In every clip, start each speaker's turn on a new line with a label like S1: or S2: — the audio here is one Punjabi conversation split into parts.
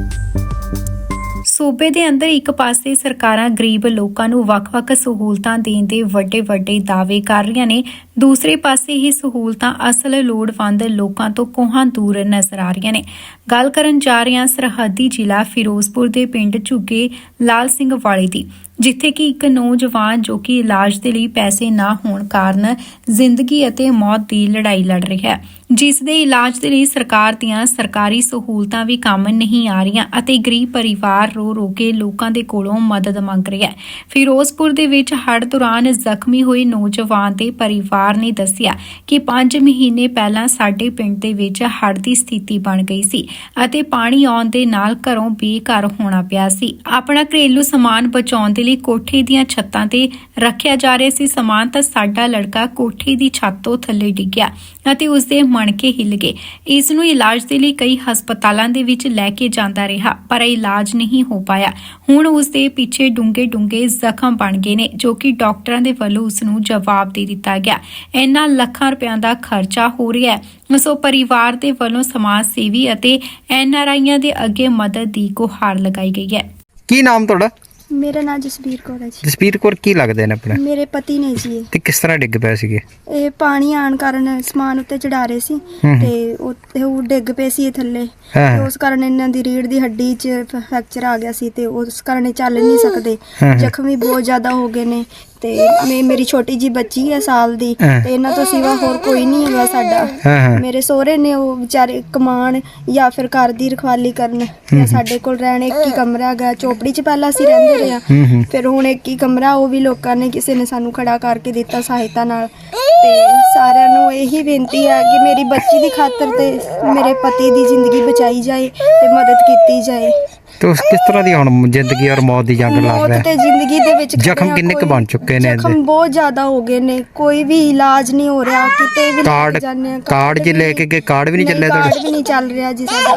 S1: ਸੂਬੇ ਦੇ ਅੰਦਰ ਇੱਕ ਪਾਸੇ ਸਰਕਾਰਾਂ ਗਰੀਬ ਲੋਕਾਂ ਨੂੰ ਵੱਖ-ਵੱਖ ਸਹੂਲਤਾਂ ਦੇਣ ਦੇ ਵੱਡੇ-ਵੱਡੇ ਦਾਅਵੇ ਕਰ ਰਹੀਆਂ ਨੇ, ਦੂਸਰੇ ਪਾਸੇ ਇਹ ਸਹੂਲਤਾਂ ਅਸਲ ਲੋੜਵੰਦ ਲੋਕਾਂ ਤੋਂ ਕੋਹਾਂ ਦੂਰ ਨਜ਼ਰ ਆ ਰਹੀਆਂ ਨੇ। ਗੱਲ ਕਰਨ ਜਾ ਰਹੇ ਹਾਂ ਸਰਹੱਦੀ ਜ਼ਿਲ੍ਹਾ ਫਿਰੋਜ਼ਪੁਰ ਦੇ ਪਿੰਡ ਝੁੱਗੇ ਲਾਲ ਸਿੰਘ ਵਾਲੇ ਦੀ, ਜਿੱਥੇ ਕਿ ਇੱਕ ਨੌਜਵਾਨ ਜੋ ਕਿ ਇਲਾਜ ਦੇ ਲਈ ਪੈਸੇ ਨਾ ਹੋਣ ਕਾਰਨ ਜ਼ਿੰਦਗੀ ਅਤੇ ਮੌਤ ਦੀ ਲੜਾਈ ਲੜ ਰਿਹਾ ਹੈ, ਜਿਸ ਦੇ ਇਲਾਜ ਦੇ ਲਈ ਸਰਕਾਰ ਦੀਆਂ ਸਰਕਾਰੀ ਸਹੂਲਤਾਂ ਵੀ ਕੰਮ ਨਹੀਂ ਆ ਰਹੀਆਂ ਅਤੇ ਗਰੀਬ ਪਰਿਵਾਰ ਰੋ ਕੇ ਲੋਕਾਂ ਦੇ ਕੋਲੋਂ ਮਦਦ ਮੰਗ ਰਿਹਾ ਹੈ। ਫਿਰੋਜ਼ਪੁਰ ਦੇ ਵਿੱਚ ਹੜ੍ਹ ਦੌਰਾਨ ਜ਼ਖਮੀ ਹੋਏ ਨੌਜਵਾਨ ਦੇ ਪਰਿਵਾਰ ਨੇ ਦੱਸਿਆ ਕਿ 5 ਮਹੀਨੇ ਪਹਿਲਾਂ ਸਾਡੇ ਪਿੰਡ ਦੇ ਵਿੱਚ ਹੜ੍ਹ ਦੀ ਸਥਿਤੀ ਬਣ ਗਈ ਸੀ ਅਤੇ ਪਾਣੀ ਆਉਣ ਦੇ ਨਾਲ ਘਰੋਂ ਬੇਘਰ ਹੋਣਾ ਪਿਆ ਸੀ। ਆਪਣਾ ਘਰੇਲੂ ਸਮਾਨ ਬਚਾਉਣ ਦੇ ਲਈ ਕੋਠੇ ਦੀਆਂ ਛੱਤਾਂ ਤੇ ਰੱਖਿਆ ਜਾ ਰਿਹਾ ਸੀ ਸਮਾਨ, ਤਾਂ ਸਾਡਾ ਲੜਕਾ ਕੋਠੇ ਦੀ ਛੱਤ ਤੋਂ ਥੱਲੇ ਡਿੱਗਿਆ ਅਤੇ ਉਸ ਦੇ ਮਣਕੇ ਹਿੱਲ ਗਏ। ਇਸ ਨੂੰ ਇਲਾਜ ਦੇ ਲਈ ਕਈ ਹਸਪਤਾਲਾਂ ਦੇ ਵਿੱਚ ਲੈ ਕੇ ਜਾਂਦਾ ਰਿਹਾ, ਪਰ ਇਲਾਜ ਨਹੀਂ ਹੋ ਪਾਇਆ। ਹੁਣ ਉਸ ਦੇ ਪਿੱਛੇ ਡੂੰਘੇ ਜ਼ਖਮ ਬਣ ਗਏ ਨੇ, ਜੋ ਕਿ ਡਾਕਟਰਾਂ ਦੇ ਵੱਲੋਂ ਉਸ ਨੂੰ ਜਵਾਬ ਦੇ ਦਿੱਤਾ ਗਿਆ। ਇੰਨਾ ਲੱਖਾਂ ਰੁਪਇਆਂ ਦਾ ਖਰਚਾ ਹੋ ਰਿਹਾ ਹੈ। ਸੋ ਪਰਿਵਾਰ ਦੇ ਵੱਲੋਂ ਸਮਾਜ ਸੇਵੀ ਅਤੇ NRIਆਂ ਦੇ ਅੱਗੇ ਮਦਦ ਦੀ ਗੁਹਾਰ ਲਗਾਈ ਗਈ ਹੈ।
S2: ਕੀ ਨਾਮ ਤੁਹਾਡਾ?
S3: ਮੇਰਾ ਨਾਮ ਜਸਬੀਰ ਕੌਰ ਹੈ ਜੀ।
S2: ਜਸਬੀਰ ਕੌਰ, ਕੀ ਲੱਗਦੇ ਨੇ ਆਪਣੇ?
S3: ਮੇਰੇ ਪਤੀ ਨੇ ਜੀ।
S2: ਤੇ ਕਿਸ ਤਰ੍ਹਾਂ ਡਿੱਗ ਪਏ ਸੀਗੇ?
S3: ਇਹ ਪਾਣੀ ਆਣ ਕਾਰਨ ਸਮਾਨ ਉੱਤੇ ਚੜਾ ਰਹੇ ਸੀ ਤੇ ਉਹ ਡਿੱਗ ਪਏ ਸੀ ਥੱਲੇ, ਤੇ ਉਸ ਕਾਰਨ ਇਹਨਾਂ ਦੀ ਰੀੜ ਦੀ ਹੱਡੀ 'ਚ ਫ੍ਰੈਕਚਰ ਆ ਗਿਆ ਸੀ ਤੇ ਉਸ ਕਾਰਨ ਇਹ ਚੱਲ ਨਹੀਂ ਸਕਦੇ। ਜ਼ਖਮ ਵੀ ਬਹੁਤ ਜ਼ਿਆਦਾ ਹੋ ਗਏ ਨੇ ਤੇ ਮੇਰੀ ਛੋਟੀ ਜੀ ਬੱਚੀ ਹੈ ਸਾਲ ਦੀ, ਤੇ ਇਹਨਾਂ ਤੋਂ ਸਿਵਾ ਹੋਰ ਕੋਈ ਨਹੀਂ ਹੈਗਾ ਸਾਡਾ। ਮੇਰੇ ਸਹੁਰੇ ਨੇ ਉਹ ਵਿਚਾਰੇ ਕਮਾਣ ਜਾਂ ਫਿਰ ਘਰ ਦੀ ਰਖਵਾਲੀ ਕਰਨ, ਜਾਂ ਸਾਡੇ ਕੋਲ ਰਹਿਣ। ਇੱਕ ਹੀ ਕਮਰਾ ਹੈਗਾ, ਚੋਪੜੀ 'ਚ ਪਹਿਲਾਂ ਅਸੀਂ ਰਹਿੰਦੇ ਰਹੇ ਹਾਂ, ਫਿਰ ਹੁਣ ਇੱਕ ਹੀ ਕਮਰਾ, ਉਹ ਵੀ ਲੋਕਾਂ ਨੇ ਕਿਸੇ ਨੇ ਸਾਨੂੰ ਖੜਾ ਕਰਕੇ ਦਿੱਤਾ ਸਹਾਇਤਾ ਨਾਲ। ਤੇ ਸਾਰਿਆਂ ਨੂੰ ਇਹੀ ਬੇਨਤੀ ਹੈ ਕਿ ਮੇਰੀ ਬੱਚੀ ਦੀ ਖਾਤਰ ਤੇ ਮੇਰੇ ਪਤੀ ਦੀ ਜ਼ਿੰਦਗੀ ਬਚਾਈ ਜਾਏ ਤੇ ਮਦਦ ਕੀਤੀ ਜਾਏ।
S2: ਤੇ ਉਸ ਕਿਸ ਤਰ੍ਹਾਂ ਦੀ ਹੁਣ ਜ਼ਿੰਦਗੀ ਔਰ ਮੌਤ ਦੀ ਜੰਗ ਲੜ ਰਿਹਾ?
S3: ਮੌਤ ਤੇ ਜ਼ਿੰਦਗੀ ਦੇ ਵਿੱਚ
S2: ਜ਼ਖਮ ਕਿੰਨੇ ਕੁ ਬਣ ਚੁੱਕੇ ਨੇ?
S3: ਜ਼ਖਮ ਬਹੁਤ ਜ਼ਿਆਦਾ ਹੋ ਗਏ ਨੇ, ਕੋਈ ਵੀ ਇਲਾਜ ਨਹੀਂ ਹੋ ਰਿਹਾ, ਕਿਤੇ ਵੀ
S2: ਕਾਰਡ ਜੇ ਲੈ ਕੇ ਗਏ, ਕਾਰਡ ਵੀ ਨਹੀਂ ਚੱਲਿਆ ਤੁਹਾਡਾ?
S3: ਕਾਰਡ ਵੀ ਨਹੀਂ ਚੱਲ ਰਿਹਾ ਜੀ ਸਾਡਾ।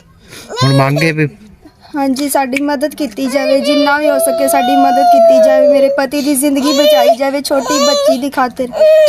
S2: ਹੁਣ ਮੰਗੇ ਵੀ
S3: ਹਾਂਜੀ, ਸਾਡੀ ਮਦਦ ਕੀਤੀ ਜਾਵੇ, ਜਿੰਨਾ ਵੀ ਹੋ ਸਕੇ ਸਾਡੀ ਮਦਦ ਕੀਤੀ ਜਾਵੇ, ਮੇਰੇ ਪਤੀ ਦੀ ਜ਼ਿੰਦਗੀ ਬਚਾਈ ਜਾਵੇ ਛੋਟੀ ਬੱਚੀ ਦੀ ਖਾਤਰ।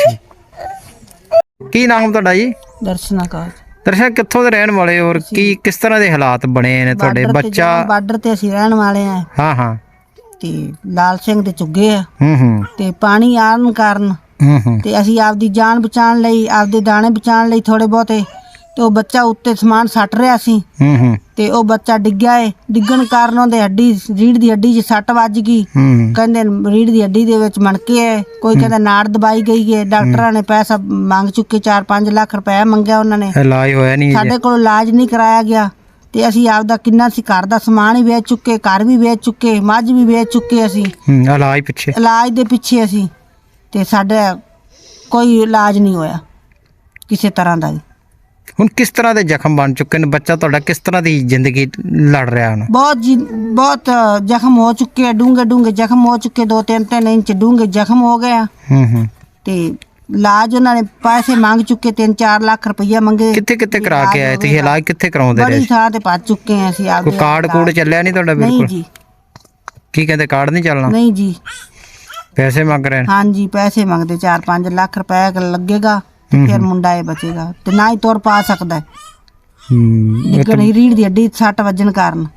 S2: ਕੀ ਨਾਮ ਤੁਹਾਡਾ ਜੀ?
S4: ਦਰਸ਼ਨਾ ਕੌਰ।
S2: ਦਰਸ਼ਨ, ਕਿੱਥੋਂ ਦੇ ਰਹਿਣ ਵਾਲੇ ਔਰ ਕੀ ਕਿਸ ਤਰ੍ਹਾਂ ਦੇ ਹਾਲਾਤ ਬਣੇ ਨੇ ਤੁਹਾਡੇ? ਬੱਚਾ
S4: ਬਾਰਡਰ ਤੇ ਅਸੀਂ ਰਹਿਣ ਵਾਲੇ ਆ।
S2: ਹਾਂ
S4: ਤੇ ਲਾਲ ਸਿੰਘ ਦੇ ਚੁੱਗੇ ਆ। ਤੇ ਪਾਣੀ ਆਉਣ ਕਾਰਨ ਤੇ ਅਸੀਂ ਆਪਦੀ ਜਾਨ ਬਚਾਉਣ ਲਈ, ਆਪਦੇ ਦਾਣੇ ਬਚਾਉਣ ਲਈ ਥੋੜੇ ਬਹੁਤੇ, ਤੇ ਉਹ ਬੱਚਾ ਉੱਤੇ ਸਮਾਨ ਸੱਟ ਰਿਹਾ ਸੀ ਤੇ ਉਹ ਬੱਚਾ ਡਿੱਗਿਆ ਏ। ਡਿੱਗਣ ਕਾਰਨ ਉਹਦੇ ਰੀੜ ਦੀ ਹੱਡੀ 'ਚ ਸੱਟ ਵੱਜ ਗਈ। ਕਹਿੰਦੇ ਰੀੜ ਦੀ ਹੱਡੀ ਦੇ ਵਿੱਚ ਮਣਕੇ ਹੈ, ਕੋਈ ਕਹਿੰਦਾ ਨਾੜ ਦਬਾਈ ਗਈ ਹੈ। ਡਾਕਟਰਾਂ ਨੇ ਪੈਸਾ ਮੰਗ ਚੁੱਕੇ, 4-5 ਲੱਖ ਰੁਪਏ ਮੰਗਿਆ ਉਹਨਾਂ ਨੇ, ਇਲਾਜ ਹੋਇਆ ਨਹੀਂ। ਸਾਡੇ ਕੋਲ ਇਲਾਜ ਨਹੀਂ ਕਰਾਇਆ ਗਿਆ ਤੇ ਅਸੀਂ ਆਪਦਾ ਕਿੰਨਾ ਸੀ ਘਰ ਦਾ ਸਮਾਨ ਹੀ ਵੇਚ ਚੁੱਕੇ, ਘਰ ਵੀ ਵੇਚ ਚੁੱਕੇ, ਮੱਝ ਵੀ ਵੇਚ ਚੁੱਕੇ ਅਸੀਂ ਇਲਾਜ ਦੇ ਪਿੱਛੇ ਅਸੀਂ, ਤੇ ਸਾਡਾ ਕੋਈ ਇਲਾਜ ਨਹੀਂ ਹੋਇਆ ਕਿਸੇ ਤਰ੍ਹਾਂ ਦਾ।
S2: ਹੁਣ ਕਿਸ ਤਰ੍ਹਾਂ ਦੇ ਜ਼ਖਮ ਬਣ ਚੁੱਕੇ ਨੇ? ਬੱਚਾ ਤੁਹਾਡਾ ਕਿਸ ਤਰ੍ਹਾਂ ਦੀ ਜ਼ਿੰਦਗੀ ਲੜ ਰਿਹਾ ਹੁਣ?
S4: ਬਹੁਤ ਜ਼ਖਮ ਹੋ ਚੁੱਕੇ, ਡੂੰਘੇ ਜ਼ਖਮ ਹੋ ਚੁੱਕੇ, 2-3 ਇੰਚ ਡੂੰਘੇ ਜ਼ਖਮ ਹੋ ਗਏ ਆ। ਤੇ ਇਲਾਜ ਉਹਨਾਂ ਨੇ ਪੈਸੇ ਮੰਗ ਚੁੱਕੇ, 3-4 ਲੱਖ ਰੁਪਈਆ ਮੰਗੇ।
S2: ਕਿੱਥੇ ਕਰਾ ਕੇ ਆਏ ਤੁਸੀਂ? ਇਲਾਜ ਕਿੱਥੇ ਕਰਾਉਂਦੇ ਰਹੇ?
S4: ਬੜੀ ਥਾਂ ਤੇ ਭੱਜ ਚੁੱਕੇ ਆ ਅਸੀਂ।
S2: ਕੋਈ ਕਾਰਡ ਚੱਲਿਆ ਨਹੀਂ ਤੁਹਾਡਾ? ਬਿਲਕੁਲ
S4: ਨਹੀਂ ਜੀ।
S2: ਕੀ ਕਹਿੰਦੇ, ਕਾਰਡ ਨਹੀਂ ਚੱਲਣਾ?
S4: ਨਹੀਂ ਜੀ,
S2: ਪੈਸੇ ਮੰਗ ਰਹੇ ਨੇ।
S4: ਹਾਂਜੀ, ਪੈਸੇ ਮੰਗਦੇ, 4-5 ਲੱਖ ਰੁਪਏ ਲੱਗੇਗਾ ਤੇ ਫਿਰ ਮੁੰਡਾ ਇਹ ਬਚੇਗਾ, ਤੇ ਨਾ ਹੀ ਤੁਰ ਪਾ ਸਕਦਾ। ਡਿੱਗਣ ਰੀੜ ਦੀ ਹੱਡੀ ਸੱਟ ਵੱਜਣ ਕਾਰਨ।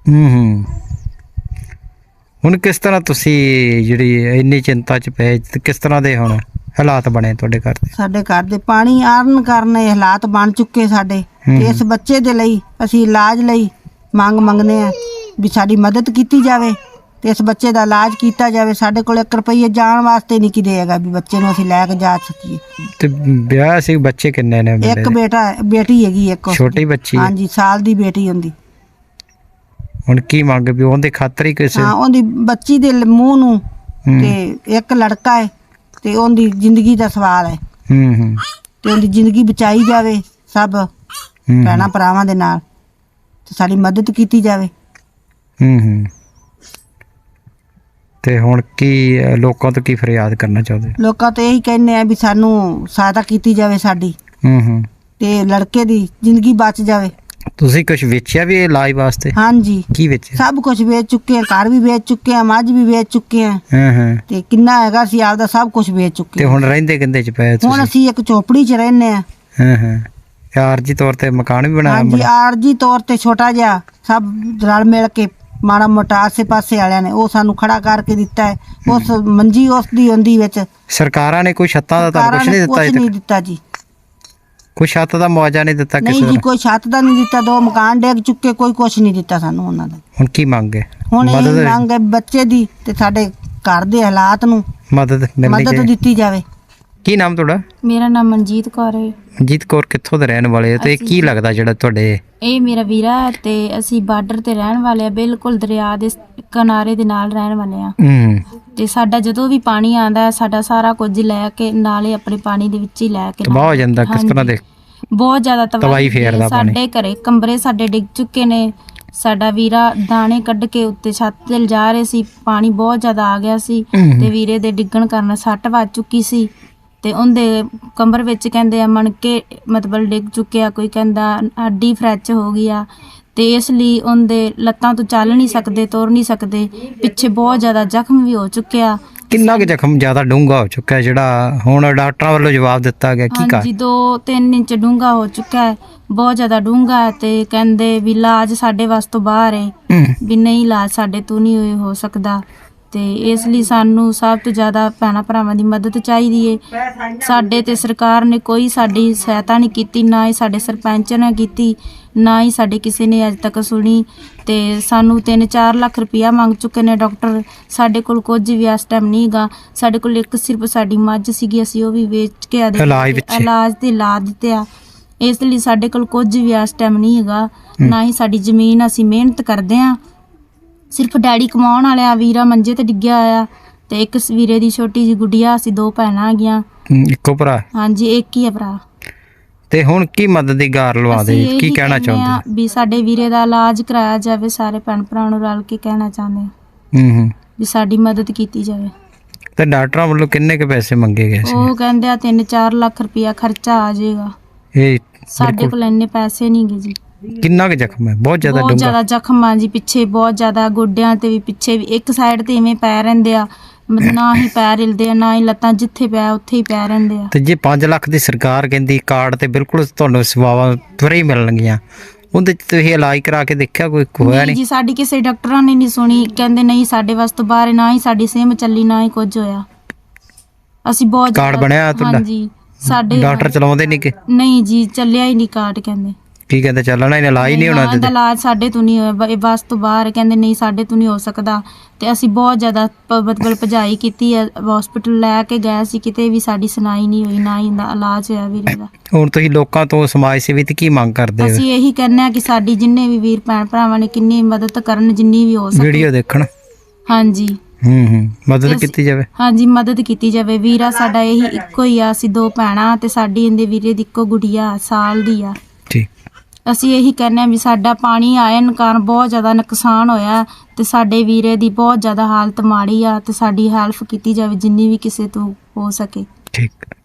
S2: ਹੁਣ ਕਿਸ ਤਰ੍ਹਾਂ ਤੁਸੀਂ ਜਿਹੜੀ ਇੰਨੀ ਚਿੰਤਾ 'ਚ ਪਏ, ਕਿਸ ਤਰ੍ਹਾਂ ਦੇ ਹੁਣ ਹਾਲਾਤ ਬਣੇ ਤੁਹਾਡੇ ਘਰ ਦੇ? ਸਾਡੇ ਘਰ ਦੇ ਪਾਣੀ ਆਉਣ ਕਾਰਨ ਇਹ ਹਾਲਾਤ ਬਣ ਚੁੱਕੇ ਸਾਡੇ। ਇਸ ਬੱਚੇ ਦੇ ਲਈ ਅਸੀਂ ਇਲਾਜ ਲਈ ਮੰਗਦੇ ਆ ਵੀ ਸਾਡੀ ਮਦਦ ਕੀਤੀ ਜਾਵੇ ਤੇ ਇਸ ਬੱਚੇ ਦਾ ਇਲਾਜ ਕੀਤਾ ਜਾਵੇ। ਸਾਡੇ ਕੋਲ 1 ਰੁਪਈਆ ਜਾਣ ਵਾਸਤੇ ਨਹੀਂ ਕਿਤੇ ਹੈਗਾ ਵੀ ਬੱਚੇ ਨੂੰ ਅਸੀਂ ਲੈ ਕੇ ਜਾ ਸਕੀਏ। ਤੇ ਵਿਆਹ ਸੀ, ਬੱਚੇ ਕਿੰਨੇ ਨੇ?
S4: ਇੱਕ ਬੇਟੀ ਹੈਗੀ, ਇੱਕ
S2: ਛੋਟੀ ਬੱਚੀ?
S4: ਹਾਂਜੀ, ਸਾਲ ਦੀ ਬੇਟੀ ਹੁੰਦੀ।
S2: ਹੁਣ ਕੀ ਮੰਗ ਵੀ ਉਹਦੇ ਖਾਤਰ ਹੀ ਕਿਸੇ?
S4: ਹਾਂ, ਉਹਦੀ ਬੱਚੀ ਦੇ ਮੂੰਹ ਨੂੰ, ਤੇ ਇੱਕ ਲੜਕਾ ਹੈ ਤੇ ਉਹਦੀ ਜ਼ਿੰਦਗੀ ਦਾ ਸਵਾਲ ਹੈ। ਤੇ ਉਹਦੀ ਜ਼ਿੰਦਗੀ ਬਚਾਈ ਜਾਵੇ ਸਭ ਭੈਣਾਂ ਭਰਾਵਾਂ ਦੇ ਨਾਲ, ਤੇ ਸਾਡੀ ਮਦਦ ਕੀਤੀ ਜਾਵੇ।
S2: ਤੇ ਹੁਣ ਕੀ ਲੋਕਾਂ ਤੋਂ ਕੀ ਫਰਿਆਦ ਕਰਨਾ ਚਾਹੁੰਦੇ?
S4: ਲੋਕਾਂ ਤੋਂ ਇਹੀ ਕਹਿੰਦੇ ਆ ਵੀ ਸਾਨੂੰ ਸਹਾਇਤਾ ਕੀਤੀ ਜਾਵੇ ਸਾਡੀ, ਤੇ ਲੜਕੇ ਦੀ ਜ਼ਿੰਦਗੀ ਬਚ ਜਾਵੇ।
S2: ਤੁਸੀਂ ਕੁਝ ਵੇਚਿਆ ਵੀ ਇਲਾਜ ਵਾਸਤੇ?
S4: ਹਾਂਜੀ।
S2: ਕੀ ਵੇਚਿਆ?
S4: ਸਭ ਕੁਝ ਵੇਚ ਚੁੱਕੇ ਆ, ਘਰ ਵੀ ਵੇਚ ਚੁੱਕੇ ਆ, ਮੱਝ ਵੀ ਵੇਚ ਚੁੱਕੇ ਆ, ਤੇ ਕਿੰਨਾ ਹੈਗਾ ਸੀ ਆਪਦਾ ਸਭ ਕੁਝ ਵੇਚ ਚੁੱਕੇ।
S2: ਤੇ ਹੁਣ ਰਹਿੰਦੇ ਕਿੰਦੇ 'ਚ ਪਏ ਤੁਸੀਂ?
S4: ਹੁਣ ਅਸੀਂ ਇੱਕ ਝੋਪੜੀ 'ਚ ਰਹਿੰਦੇ ਆ।
S2: ਆਰਜੀ ਤੌਰ ਤੇ ਮਕਾਨ ਵੀ ਬਣਾਇਆ
S4: ਹਾਂਜੀ ਆਰਜੀ ਤੌਰ ਤੇ ਛੋਟਾ ਜਿਹਾ ਸਭ ਰਲ ਮਿਲ ਕੇ ਮਾੜਾ ਮੋਟਾ ਆਸੇ ਪਾਸੇ ਵਾਲਿਆਂ ਨੇ ਉਹ ਸਾਨੂੰ ਖੜਾ ਕਰਕੇ ਦਿੱਤਾ ਹੈ। ਉਸ ਮੰਜੀ ਉਸ ਦੀ ਹੁੰਦੀ ਵਿੱਚ
S2: ਸਰਕਾਰਾਂ ਨੇ ਕੋਈ ਛੱਤਾਂ ਦਾ ਤੁਹਾਨੂੰ ਕੁਝ ਨਹੀਂ ਦਿੱਤਾ
S4: ਕੁਛ ਨਹੀਂ ਦਿੱਤਾ ਜੀ।
S2: ਕੋਈ ਛੱਤ ਦਾ ਮੁਆਵਜ਼ਾ ਨਹੀਂ ਦਿੱਤਾ
S4: ਨਹੀਂ
S2: ਕਿਸੇ
S4: ਜੀ
S2: ਦਾ?
S4: ਕੋਈ ਛੱਤ ਦਾ ਨਹੀਂ ਦਿੱਤਾ, 2 ਮਕਾਨ ਡੇਗ ਚੁੱਕੇ, ਕੋਈ ਕੁਛ ਨਹੀਂ ਦਿੱਤਾ ਸਾਨੂੰ ਉਹਨਾਂ ਦਾ।
S2: ਹੁਣ ਕੀ ਮੰਗ ਹੈ?
S4: ਹੁਣ ਇਹ ਮੰਗ ਹੈ ਬੱਚੇ ਦੀ ਤੇ ਸਾਡੇ ਘਰ ਦੇ ਹਾਲਾਤ ਨੂੰ
S2: ਮਦਦ ਮਿਲਣੀ
S4: ਮਦਦ
S2: ਚਾਹੀਦੀ।
S4: ਦਿੱਤੀ ਜਾਵੇ।
S2: ਕੀ ਨਾਮ ਤੁਹਾਡਾ?
S5: ਮੇਰਾ ਨਾਮ ਮਨਜੀਤ ਕੌਰ ਹੈ।
S2: ਮਨਜੀਤ ਕੌਰ ਕਿੱਥੋਂ ਦੇ ਰਹਿਣ ਵਾਲੇ ਹੋ ਤੇ ਕੀ ਲੱਗਦਾ ਜਿਹੜਾ ਤੁਹਾਡੇ?
S5: ਇਹ ਮੇਰਾ ਵੀਰਾ ਹੈ ਤੇ ਅਸੀਂ ਬਾਰਡਰ ਤੇ ਰਹਿਣ ਵਾਲੇ ਆ, ਬਿਲਕੁਲ ਦਰਿਆ ਦੇ ਕਿਨਾਰੇ ਦੇ ਨਾਲ ਰਹਿਣ ਵਾਲੇ ਆ। ਤੇ ਸਾਡਾ ਜਦੋਂ ਵੀ ਪਾਣੀ ਆਂਦਾ ਸਾਡਾ ਸਾਰਾ ਕੁਝ ਲੈ ਕੇ ਨਾਲੇ ਆਪਣੇ ਪਾਣੀ ਦੇ ਵਿੱਚ ਹੀ ਲੈ ਕੇ
S2: ਤਬਾਹ ਹੋ ਜਾਂਦਾ ਕਿਸ ਤਰ੍ਹਾਂ ਦੇ?
S5: ਬਹੁਤ ਜ਼ਿਆਦਾ ਤਬਾਹੀ
S2: ਫੇਰਦਾ ਪਾਣੀ।
S5: ਸਾਡੇ ਘਰੇ ਕਮਰੇ ਸਾਡੇ ਡਿੱਗ ਚੁੱਕੇ ਨੇ। ਸਾਡਾ ਵੀਰਾ ਦਾਣੇ ਕੱਢ ਕੇ ਉੱਤੇ ਛੱਤ ਤੇ ਲਿਜਾ ਰਹੇ ਸੀ, ਪਾਣੀ ਬਹੁਤ ਜ਼ਿਆਦਾ ਆ ਗਿਆ ਸੀ ਤੇ ਵੀਰੇ ਦੇ ਡਿੱਗਣ ਕਾਰਨ ਸੱਟ ਵੱਜ ਚੁੱਕੀ ਸੀ ਤੇ ਉਹਦੇ ਕਮਰ ਵਿੱਚ ਕਹਿੰਦੇ ਆ ਮਣਕੇ ਮਤਲਬ ਡਿੱਗ ਚੁੱਕਿਆ, ਕੋਈ ਕਹਿੰਦਾ ਹੱਡੀ ਫ੍ਰੈਕਚਰ ਹੋ ਗਈ ਆ ਤੇ ਇਸ ਲਈ ਉਹਦੇ ਲੱਤਾਂ ਤੋਂ ਚੱਲ ਨਹੀਂ ਸਕਦੇ, ਤੁਰ ਨਹੀਂ ਸਕਦੇ, ਪਿੱਛੇ ਬਹੁਤ ਜ਼ਿਆਦਾ ਜ਼ਖਮ ਵੀ ਹੋ ਚੁੱਕਿਆ।
S2: ਕਿੰਨਾ ਕੁ ਜ਼ਖਮ ਜ਼ਿਆਦਾ ਡੂੰਘਾ ਹੋ ਚੁੱਕਾ ਜਿਹੜਾ ਹੁਣ ਡਾਕਟਰਾਂ ਵੱਲੋਂ ਜਵਾਬ ਦਿੱਤਾ ਗਿਆ ਕੀ
S5: ਹਾਂਜੀ 2-3 ਇੰਚ ਡੂੰਘਾ ਹੋ ਚੁੱਕਾ ਹੈ, ਬਹੁਤ ਜ਼ਿਆਦਾ ਡੂੰਘਾ ਹੈ ਤੇ ਕਹਿੰਦੇ ਵੀ ਇਲਾਜ ਸਾਡੇ ਵੱਸ ਤੋਂ ਬਾਹਰ ਹੈ, ਵੀ ਨਹੀਂ ਇਲਾਜ ਸਾਡੇ ਤੋਂ ਨਹੀਂ ਹੋ ਸਕਦਾ। ਤੇ ਇਸ ਲਈ ਸਾਨੂੰ ਸਭ ਤੋਂ ਜ਼ਿਆਦਾ ਭੈਣਾਂ ਭਰਾਵਾਂ ਦੀ ਮਦਦ ਚਾਹੀਦੀ ਏ। ਸਾਡੇ ਤੇ ਸਰਕਾਰ ਨੇ ਕੋਈ ਸਾਡੀ ਸਹਾਇਤਾ ਨਹੀਂ ਕੀਤੀ, ਨਾ ਹੀ ਸਾਡੇ ਸਰਪੰਚ ਨੇ ਕੀਤੀ, ਨਾ ਹੀ ਸਾਡੇ ਕਿਸੇ ਨੇ ਅੱਜ ਤੱਕ ਸੁਣੀ। ਤੇ ਸਾਨੂੰ 3-4 ਲੱਖ ਰੁਪਇਆ ਮੰਗ ਚੁੱਕੇ ਨੇ ਡਾਕਟਰ। ਸਾਡੇ ਕੋਲ ਕੁਝ ਵੀ ਇਸ ਟਾਈਮ ਨਹੀਂ ਹੈਗਾ। ਸਾਡੇ ਕੋਲ ਇੱਕ ਸਿਰਫ ਸਾਡੀ ਮੱਝ ਸੀਗੀ, ਅਸੀਂ ਉਹ ਵੀ ਵੇਚ ਕੇ ਇਲਾਜ ਤੇ ਲਾ ਦਿੱਤੇ ਆ। ਇਸ ਲਈ ਸਾਡੇ ਕੋਲ ਕੁਝ ਵੀ ਇਸ ਟਾਈਮ ਨਹੀਂ ਹੈਗਾ, ਨਾ ਹੀ ਸਾਡੀ ਜ਼ਮੀਨ। ਅਸੀਂ ਮਿਹਨਤ ਕਰਦੇ ਆ, ਸਿਰਫ ਡੈਡੀ ਕਮਾਉਣ ਵਾਲੇ ਆ, ਵੀਰਾ ਮੰਜੇ ਤੇ ਡਿੱਗਿਆ ਹੋਇਆ ਤੇ ਇੱਕ ਵੀਰੇ ਦੀ ਛੋਟੀ ਜਿਹੀ ਗੁੱਡੀਆ, ਅਸੀਂ 2 ਭੈਣਾਂ ਹੈਗੀਆਂ।
S2: ਇੱਕੋ ਭਰਾ?
S5: ਹਾਂਜੀ ਇੱਕ ਹੀ ਆ ਭਰਾ।
S2: ਤੇ ਹੁਣ ਕੀ ਮਦਦ ਦੀ ਗਾਰ ਲਵਾ ਦੇ, ਕੀ ਕਹਿਣਾ ਚਾਹੁੰਦੇ?
S5: ਵੀ ਸਾਡੇ ਵੀਰੇ ਦਾ ਇਲਾਜ ਕਰਾਇਆ ਜਾਵੇ, ਸਾਰੇ ਭੈਣ ਭਰਾ ਨੂੰ ਰਲ ਕੇ ਕਹਿਣਾ ਚਾਹੁੰਦੇ ਆ ਵੀ ਸਾਡੀ ਮਦਦ ਕੀਤੀ ਜਾਵੇ।
S2: ਤੇ ਡਾਕਟਰਾਂ ਵੱਲੋਂ ਕਿੰਨੇ ਕੁ ਪੈਸੇ ਮੰਗੇ ਗਏ ਸੀ?
S5: ਉਹ ਕਹਿੰਦੇ ਆ 3-4 ਲੱਖ ਰੁਪਇਆ ਖਰਚਾ ਆ ਜਾਏਗਾ।
S2: ਇਹ
S5: ਸਾਡੇ ਕੋਲ ਇੰਨੇ ਪੈਸੇ ਨਹੀਂ ਗੇ ਜੀ।
S2: ਕਿੰਨਾ ਕੁ ਜ਼ਖਮ ਹੈ? ਬਹੁਤ ਜ਼ਿਆਦਾ
S5: ਬਹੁਤ ਜ਼ਿਆਦਾ ਜ਼ਖਮ ਆ ਜੀ, ਪਿੱਛੇ ਬਹੁਤ ਜ਼ਿਆਦਾ, ਗੋਡਿਆਂ ਤੇ ਵੀ ਪਿੱਛੇ ਵੀ, ਇੱਕ ਸਾਈਡ ਤੇ ਇਵੇਂ ਪੈ ਰਹਿੰਦੇ ਆ, ਨਾ ਹੀ ਪੈਰ ਹਿਲਦੇ ਆ ਨਾ ਹੀ ਲੱਤਾਂ, ਜਿੱਥੇ ਪਿਆ ਉੱਥੇ ਹੀ ਪੈ ਰਹਿੰਦੇ ਆ।
S2: ਤੇ ਜੇ 5 ਲੱਖ ਦੀ ਸਰਕਾਰ ਕਹਿੰਦੀ ਕਾਰਡ ਤੇ ਬਿਲਕੁਲ ਤੁਹਾਨੂੰ ਸੇਵਾਵਾਂ ਤੁਰੇ ਹੀ ਮਿਲਣਗੀਆਂ, ਉਹਦੇ ਚ ਤੁਸੀਂ ਇਲਾਜ ਕਰਾ ਕੇ ਦੇਖਿਆ? ਕੋਈ ਹੋਇਆ
S5: ਨਹੀਂ ਜੀ,
S2: ਨਹੀਂ?
S5: ਸਾਡੀ ਕਿਸੇ ਡਾਕਟਰਾਂ ਨੇ ਨਹੀਂ ਸੁਣੀ, ਕਹਿੰਦੇ ਨਹੀਂ ਸਾਡੇ ਵਾਸ ਤੋਂ ਬਾਹਰ, ਨਾ ਹੀ ਸਾਡੀ ਸਿਮ ਚੱਲੀ, ਨਾ ਹੀ ਕੁਝ ਹੋਇਆ। ਅਸੀਂ ਬਹੁਤ
S2: ਕਾਰਡ ਬਣਿਆ ਤੁਹਾਡਾ?
S5: ਹਾਂਜੀ ਸਾਡੇ
S2: ਡਾਕਟਰ ਚਲਾਉਂਦੇ ਨਹੀਂ ਕਿ?
S5: ਨਹੀਂ ਜੀ, ਚੱਲਿਆ ਹੀ ਨਹੀਂ ਕਾਰਡ। ਕਹਿੰਦੇ
S2: ਕੀ ਕਹਿੰਦੇ ਚੱਲਣਾ ਹੀ ਇਲਾਜ ਨਹੀਂ ਹੋਣਾ?
S5: ਇਹਦਾ ਇਲਾਜ ਸਾਡੇ ਤੋਂ ਨਹੀਂ ਹੋਇਆ, ਇਹ ਬਸ ਤੋਂ ਬਾਹਰ। ਕਹਿੰਦੇ ਨਹੀਂ ਸਾਡੇ ਤੋਂ ਨਹੀਂ ਹੋ ਸਕਦਾ। ਤੇ ਅਸੀਂ ਬਹੁਤ ਜ਼ਿਆਦਾ ਮਤਲਬ ਭਜਾਈ ਕੀਤੀ ਹੈ, ਹਸਪੀਟਲ ਲੈ ਕੇ ਗਏ ਸੀ, ਕਿਤੇ ਵੀ ਸਾਡੀ ਸੁਣਾਈ ਨਹੀਂ ਹੋਈ, ਨਾ ਹੀ ਇਹਦਾ ਇਲਾਜ ਹੋਇਆ ਵੀਰੇ ਦਾ।
S2: ਹੁਣ ਤੁਸੀਂ ਲੋਕਾਂ ਤੋਂ ਸਮਾਜ ਸੇਵੀ ਤੇ ਕੀ ਮੰਗ ਕਰਦੇ ਹੋ?
S5: ਅਸੀਂ ਇਹੀ ਕਹਿੰਦੇ ਆ ਕਿ ਸਾਡੀ ਜਿੰਨੇ ਵੀ ਵੀਰ ਭੈਣ ਭਰਾਵਾਂ ਨੇ ਕਿੰਨੀ ਮਦਦ ਕਰਨ, ਜਿੰਨੀ ਵੀ ਹੋ ਸਕੇ।
S2: ਵੀਡੀਓ ਦੇਖਣ?
S5: ਹਾਂਜੀ
S2: ਮਦਦ ਕੀਤੀ ਜਾਵੇ।
S5: ਹਾਂਜੀ ਮਦਦ ਕੀਤੀ ਜਾਵੇ। ਵੀਰਾ ਸਾਡਾ ਇਹੀ ਇੱਕੋ ਹੀ ਆ, ਅਸੀਂ 2 ਭੈਣਾਂ ਤੇ ਸਾਡੀ ਇਹਦੇ ਵੀਰੇ ਦੀ ਇੱਕੋ ਗੁੜੀਆ ਸਾਲ ਦੀ ਆ।
S2: ਠੀਕ।
S5: ਅਸੀਂ ਇਹੀ ਕਹਿੰਦੇ ਆ ਵੀ ਸਾਡਾ ਪਾਣੀ ਆਇਨ ਕਾਰਨ ਬਹੁਤ ਜ਼ਿਆਦਾ ਨੁਕਸਾਨ ਹੋਇਆ ਤੇ ਸਾਡੇ ਵੀਰੇ ਦੀ ਬਹੁਤ ਜ਼ਿਆਦਾ ਹਾਲਤ ਮਾੜੀ ਆ ਤੇ ਸਾਡੀ ਹੈਲਪ ਕੀਤੀ ਜਾਵੇ ਜਿੰਨੀ ਵੀ ਕਿਸੇ ਤੋਂ ਹੋ ਸਕੇ।
S2: ਠੀਕ।